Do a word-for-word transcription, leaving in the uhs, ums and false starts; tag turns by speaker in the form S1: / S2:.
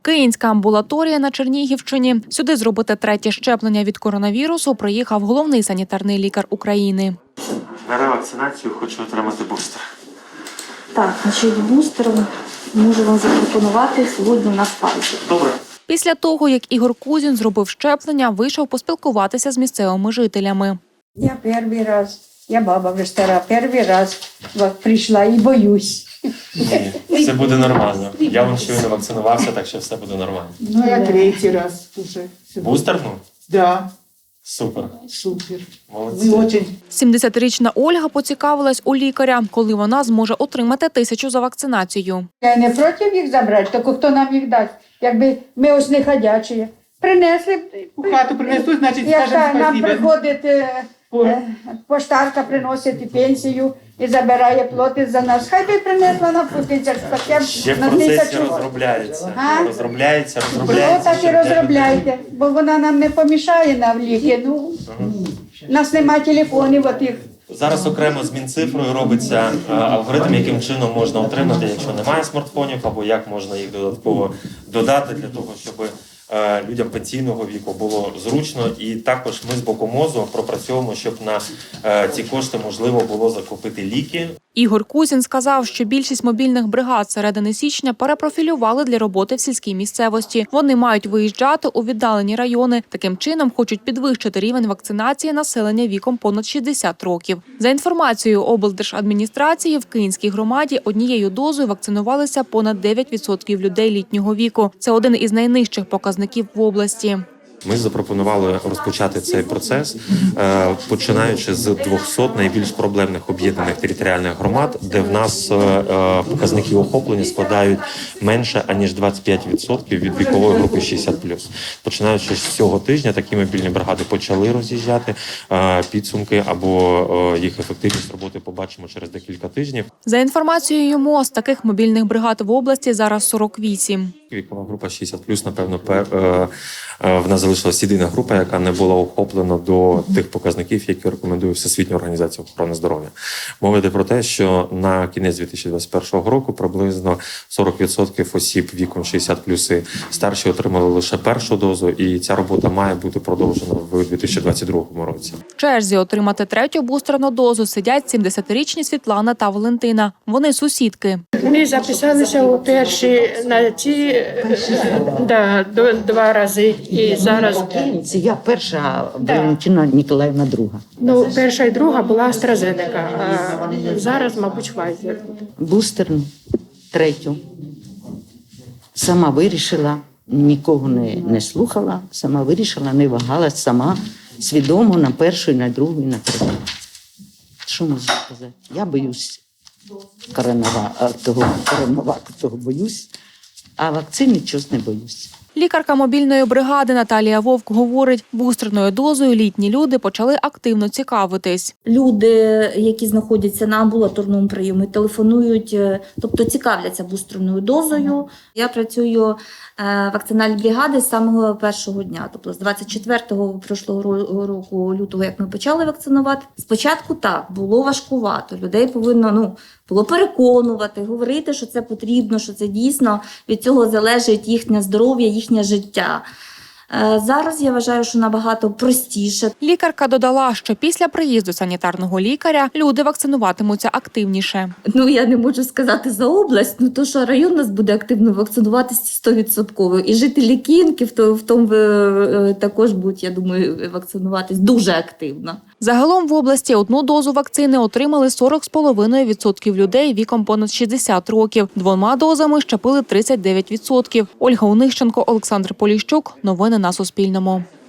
S1: Київська амбулаторія на Чернігівщині. Сюди зробити третє щеплення від коронавірусу приїхав головний санітарний лікар України.
S2: На ревакцинацію хочу отримати бустер.
S3: Так, значить, бустер можу вам запропонувати сьогодні на Pfizer.
S2: Добре.
S1: Після того, як Ігор Кузін зробив щеплення, вийшов поспілкуватися з місцевими жителями.
S4: Я перший раз, я баба вже стара, перший раз прийшла і боюсь.
S2: Ні, все буде нормально. Я вам щойно вакцинувався, так що все буде нормально.
S4: Ну, я третій раз вже.
S2: Бустерну?
S4: Да,
S2: Супер.
S4: супер.
S2: Молодці.
S4: Ви дуже.
S1: сімдесятирічна Ольга поцікавилась у лікаря, коли вона зможе отримати тисячу за вакцинацію.
S4: Я не проти їх забрати, тільки хто нам їх дасть. Якби ми ось не ходячі. Принесли б.
S5: У хату принесуть, значить,
S4: Яка
S5: скажемо
S4: нам
S5: спасибо.
S4: приходить е, е, поштарка, приносить і пенсію і забирає, платить за нас. Хай би принесла нам по тисячу, хоча
S2: Ще
S4: б
S2: в
S4: на
S2: процесі
S4: тисячу.
S2: розробляється.
S4: А?
S2: Розробляється,
S4: Ну,
S2: розробляється.
S4: так і
S2: щоб для людей-
S4: розробляйте, бо вона нам не помішає на ліки. Ну, у нас немає телефонів отих.
S2: Зараз окремо з Мінцифрою робиться е, алгоритм, яким чином можна отримати, якщо немає смартфонів, або як можна їх додатково додати для того, щоб е, людям пенсійного віку було зручно. І також ми з боку МОЗу пропрацьовуємо, щоб на е, ці кошти можливо було закупити ліки.
S1: Ігор Кузін сказав, що більшість мобільних бригад середини січня перепрофілювали для роботи в сільській місцевості. Вони мають виїжджати у віддалені райони. Таким чином хочуть підвищити рівень вакцинації населення віком понад шістдесят років. За інформацією облдержадміністрації, в Київській громаді однією дозою вакцинувалися понад дев'ять відсотків людей літнього віку. Це один із найнижчих показників в області.
S2: Ми запропонували розпочати цей процес, е, починаючи з двохсот найбільш проблемних об'єднаних територіальних громад, де в нас е, е, показники охоплення складають менше, аніж двадцять п'ять відсотків від вікової групи шістдесят плюс. Починаючи з цього тижня, такі мобільні бригади почали роз'їжджати. Е, підсумки або е, їх ефективність роботи побачимо через декілька тижнів.
S1: За інформацією МОЗ, таких мобільних бригад в області зараз сорок вісім.
S2: Вікова група шістдесят плюс, напевно, пер, е, е, в нас залишилась єдина група, яка не була охоплена до тих показників, які рекомендує Всесвітня організація охорони здоров'я. Мова йде про те, що на кінець дві тисячі двадцять першого року приблизно сорок відсотків осіб віком шістдесят плюс і старші отримали лише першу дозу, і ця робота має бути продовжена в дві тисячі двадцять другому році.
S1: В черзі отримати третю бустерну дозу сидять сімдесятирічні Світлана та Валентина. Вони сусідки.
S6: Ми записалися у перші на ці да, до- два рази. І зараз
S7: Це я перша, а Валентина Ніколаївна друга.
S6: ну, перша і друга була AstraZeneca, а зараз, мабуть, Pfizer.
S7: Бустерну, третю. Сама вирішила, нікого не, не слухала, сама вирішила, не вагалась, сама свідомо на першу, і на другу, і на третю. Що можу сказати? Я боюсь коронава, а, того, коронаваку, того боюсь, а вакцини чогось не боюсь.
S1: Лікарка мобільної бригади Наталія Вовк говорить, бустерною дозою літні люди почали активно цікавитись.
S3: Люди, які знаходяться на амбулаторному прийомі, телефонують, е, тобто цікавляться бустерною дозою. Я працюю е, в вакцинальній бригаді з самого першого дня, тобто з двадцять четвертого прошлого ро- року лютого, як ми почали вакцинувати. Спочатку так, було важкувато, людей повинно, ну, було переконувати, говорити, що це потрібно, що це дійсно, від цього залежить їхнє здоров'я, їхнє життя. Е, Зараз я вважаю, що набагато простіше.
S1: Лікарка додала, що після приїзду санітарного лікаря люди вакцинуватимуться активніше.
S3: Ну, я не можу сказати за область, ну то, що район у нас буде активно вакцинуватися сто відсотків. І жителі Кіївки в то- в тому е, також будуть, я думаю, вакцинуватись дуже активно.
S1: Загалом в області одну дозу вакцини отримали сорок з половиною відсотків людей віком понад шістдесят років. Двома дозами щепили тридцять дев'ять відсотків. Ольга Онищенко, Олександр Поліщук. Новини на Суспільному.